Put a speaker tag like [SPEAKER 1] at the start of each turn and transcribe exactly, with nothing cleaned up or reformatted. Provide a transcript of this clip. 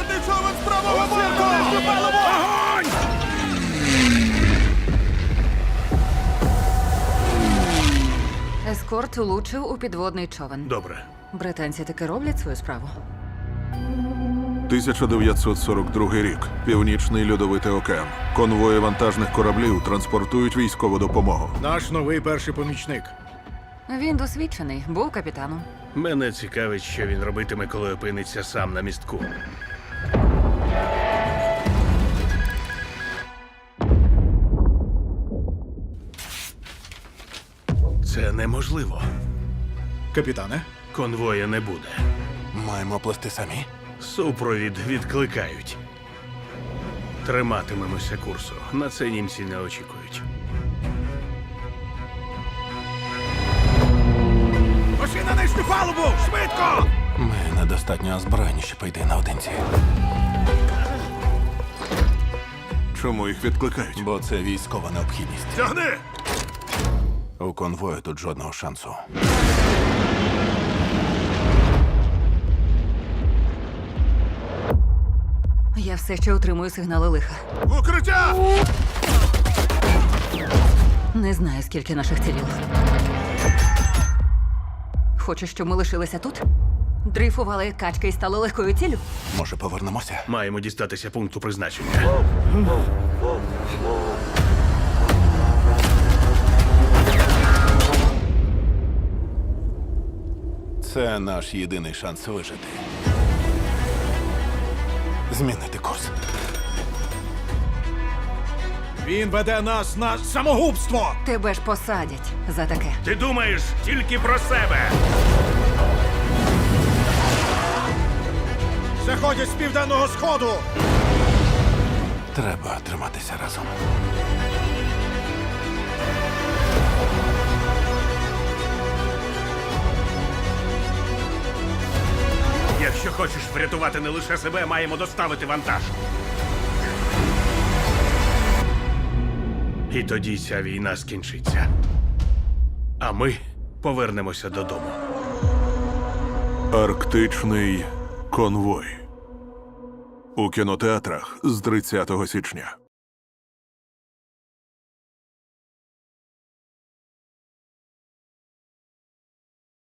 [SPEAKER 1] Підводний човен з правого борту! Огонь!
[SPEAKER 2] Ескорт влучив у підводний човен.
[SPEAKER 3] Добре.
[SPEAKER 2] Британці таки роблять свою справу.
[SPEAKER 1] тисяча дев'ятсот сорок другий рік. Північний льодовитий океан. Конвої вантажних кораблів транспортують військову допомогу.
[SPEAKER 4] Наш новий перший помічник.
[SPEAKER 2] Він досвідчений, був капітаном.
[SPEAKER 3] Мене цікавить, що він робитиме, коли опиниться сам на містку. Це неможливо.
[SPEAKER 4] Капітане,
[SPEAKER 3] Конвоя не буде.
[SPEAKER 1] Маємо плести самі.
[SPEAKER 3] Супровід відкликають. Триматимемося курсу. На це німці не очікують.
[SPEAKER 4] Пошли на нижню палубу! Швидко!
[SPEAKER 1] Ми недостатньо озброєні, щоб йти наодинці. Чому їх відкликають? Бо це військова необхідність.
[SPEAKER 3] Тягни!
[SPEAKER 1] У конвою тут жодного шансу.
[SPEAKER 2] Я все ще отримую сигнали лиха.
[SPEAKER 1] Укриття!
[SPEAKER 2] Не знаю, скільки наших ціліло. Хочеш, щоб ми лишилися тут? Дрейфували як качки і стали легкою ціллю?
[SPEAKER 1] Може, повернемося?
[SPEAKER 3] Маємо дістатися пункту призначення.
[SPEAKER 1] Це наш єдиний шанс вижити. Змінити курс.
[SPEAKER 4] Він веде нас на самогубство!
[SPEAKER 2] Тебе ж посадять за таке.
[SPEAKER 3] Ти думаєш тільки про себе!
[SPEAKER 4] Заходять з південного сходу!
[SPEAKER 1] Треба триматися разом.
[SPEAKER 3] Якщо хочеш врятувати не лише себе, маємо доставити вантаж. І тоді ця війна скінчиться. А ми повернемося додому.
[SPEAKER 1] Арктичний конвой. У кінотеатрах з тридцятого січня.